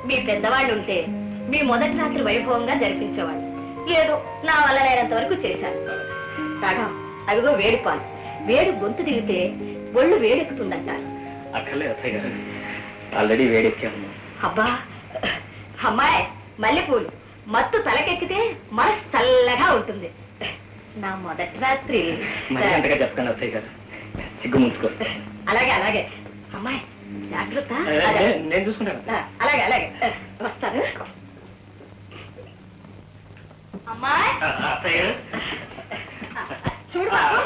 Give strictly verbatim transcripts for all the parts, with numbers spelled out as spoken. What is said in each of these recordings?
మీ పెద్దవాళ్ళు ఉంటే మీ మొదటి రాత్రి వైభవంగా జరిపించేవాళ్ళు. ఏదో నా వల్ల నేనంత వరకు చేశాను. రాగా అదిగో వేడి పాలు. వేడి గొంతు దిగితే ఒళ్ళు వేడెక్కుతుందంటారు. అక్కర్లేదు అత్తయ్య గారు, ఆల్రెడీ వేడెక్కాము. అబ్బా అమ్మాయి, మల్లెపూలు మత్తు తలకెక్కితే మనసు చల్లగా ఉంటుంది. నా మొదటి రాత్రి అంతగా చెప్పండి అత్తయ్య గారు, సిగ్గు ముంచుకో. అలాగే అలాగే అమ్మాయి, జాగ్రత్త. నేను చూసుకుంటాను. అలాగే అలాగే వస్తాను. అమ్మాయి అత్తయ్య చూడు బాబు.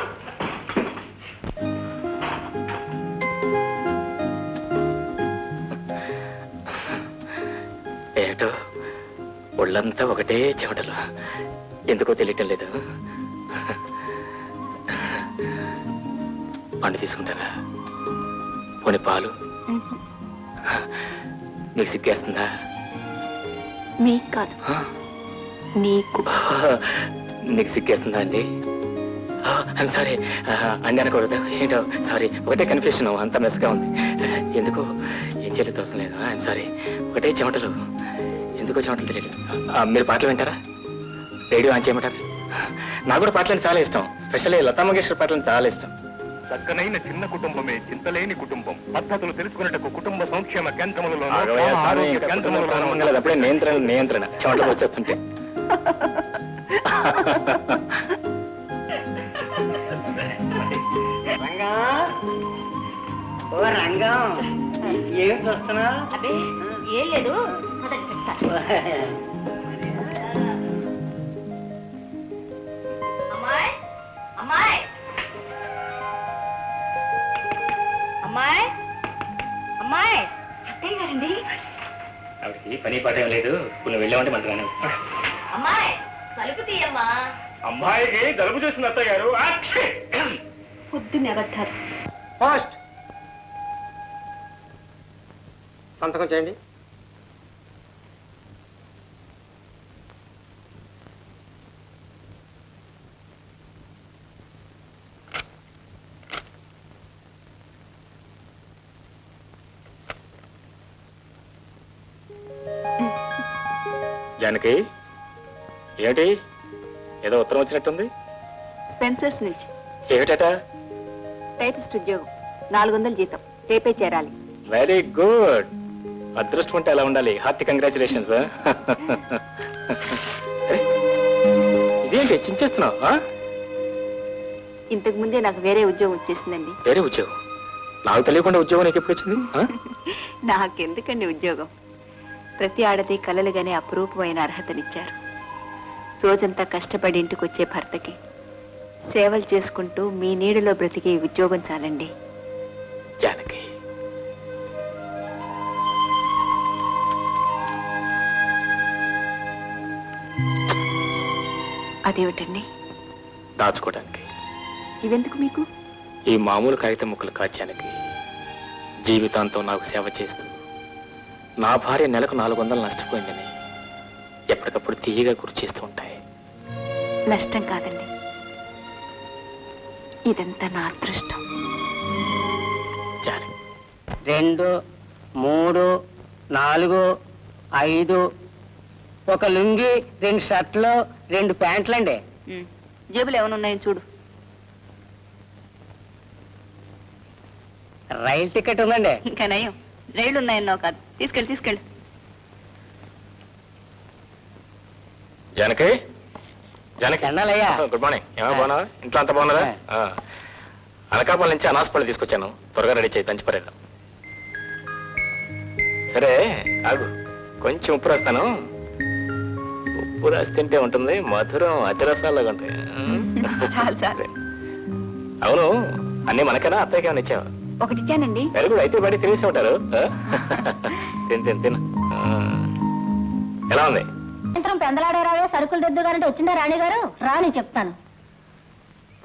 ఏటో ఒళ్ళంతా ఒకటే చెమటలు, ఎందుకో తెలియటం లేదు. పండు తీసుకుంటారా? పోనీ పాలు? మీకు సిగ్గేస్తుందా? మీకు కాదు, నీకు. నీకు సిగ్గేస్తుందా అండి? ఐమ్ సారీ అండి అనకూడదు. ఏంటో సారీ, ఒకటే కన్ఫ్యూషన్, అంత మెస్గా ఉంది. ఎందుకో ఏం చేయలేదు అవసరం లేదు. ఐమ్ సారీ, ఒకటే చెమటలు, ఎందుకో చెమటలు తెలియదు. మీరు పాటలు వింటారా? రేడియో ఆన్ చేయమంటారు? నాకు కూడా పాటలు చాలా ఇష్టం, స్పెషల్లీ లతా మంగేష్కర్ పాటలు చాలా ఇష్టం. చక్కనైన చిన్న కుటుంబమే చింతలేని కుటుంబం. పద్ధతులు తెలుసుకున్నట్టు కుటుంబ సంక్షేమ కేంద్రములలో అప్పుడే నియంత్రణ నియంత్రణ చెమటలు వచ్చేస్తుంటే. ఓ రంగం, ఏం చూస్తున్నా? అదే ఏం లేదు, మొదటి చెప్తా. అమ్మాయి అమ్మాయి అమ్మాయి అమ్మాయి అత్తయ్య గారండి. ఆవిడకి పని పాట ఏం లేదు, ఇప్పుడు వెళ్ళామంటే మంటరాను. అమ్మాయి తలుపు తీయమ్మా. అమ్మాయికి జలుబు చేసిన అత్తయ్య గారు. పొద్దున్న అబద్ధాలు. పోస్ట్ సంతకం చేయండి. జానకి, ఏమిటి ఏదో ఉత్తరం వచ్చినట్టుంది? స్పెన్సర్స్ నుంచి. ఏమిటట? టైపిస్ట్ ఉద్యోగం, నాలుగు వందల జీతం, రేపే చేరాలి. Very good. అదృష్టం ఉంటే అలా ఉండాలి. Hearty congratulations. ఇదేంటి చించేస్తున్నావు? ఇంతకు ముందే నాకు వేరే ఉద్యోగం వచ్చేసిందండి. వేరే ఉద్యోగం? నాకు తెలియకుండా ఉద్యోగం నీకు ఎప్పుడు వచ్చింది? నాకెందుకండి ఉద్యోగం? ప్రతి ఆడది కలలుగానే అపురూపమైన అర్హతనిచ్చారు. రోజంతా కష్టపడి ఇంటికి వచ్చే భర్తకి సేవలు చేసుకుంటూ మీ నీడలో బ్రతికే ఉద్యోగం చాలండి. జానకి, అదేమిటండి? దాచుకోవడానికి. ఇవెందుకు మీకు? ఈ మామూలు కాగితం ముక్కలు కాచానికి జీవితాంతం నాకు సేవ చేస్తూ నా భార్య నెలకు నాలుగు వందలు నష్టపోయిందని ఎప్పటికప్పుడు తీయగా గుర్తు చేస్తూ ఉంటాయి. నష్టం కాదండి, ఇదంతా నా అదృష్టం. జానకి, రెండు, మూడు, నాలుగు, ఐదు, ఒక లుంగి, రెండు షర్ట్లు, రెండు ప్యాంట్లండి. జేబులు ఏమనున్నాయో చూడు. రైలు టికెట్ ఉందండి. ఇంకా నయం, రైళ్లు ఉన్నాయన్నావు కాదు. తీసుకెళ్ళి తీసుకెళ్ళి. జానకి, జానకి. అన్నాలయ్యా. Good morning. ఏమో బాగున్నావా? ఇంట్లో అంత బాగున్నారా? అనకాపల్లి నుంచి అనాసపల్లి తీసుకొచ్చాను, త్వరగా రెడీ చేయి, దంచి పరేద్దాం. సరే ఆగు, కొంచెం ఉప్పు రాస్తాను. ఉప్పు రాసి తింటే ఉంటుంది, మధురం అతిరసాలుగా ఉంటాయి. చాలు చాలు. అవును, అన్ని మనకైనా అత్తయ్యకి ఏమైనా ఇచ్చావా? ఒకటి ఇచ్చానండి. Very good. అయితే బయట తినేసి ఉంటారు. తిని తిని తిను. ఎలా ఉంది? సాయంత్రం పెందలాడే రావే సరుకులు దిద్దుగారంటే వచ్చిందా రాణి గారు? రాని చెప్తాను.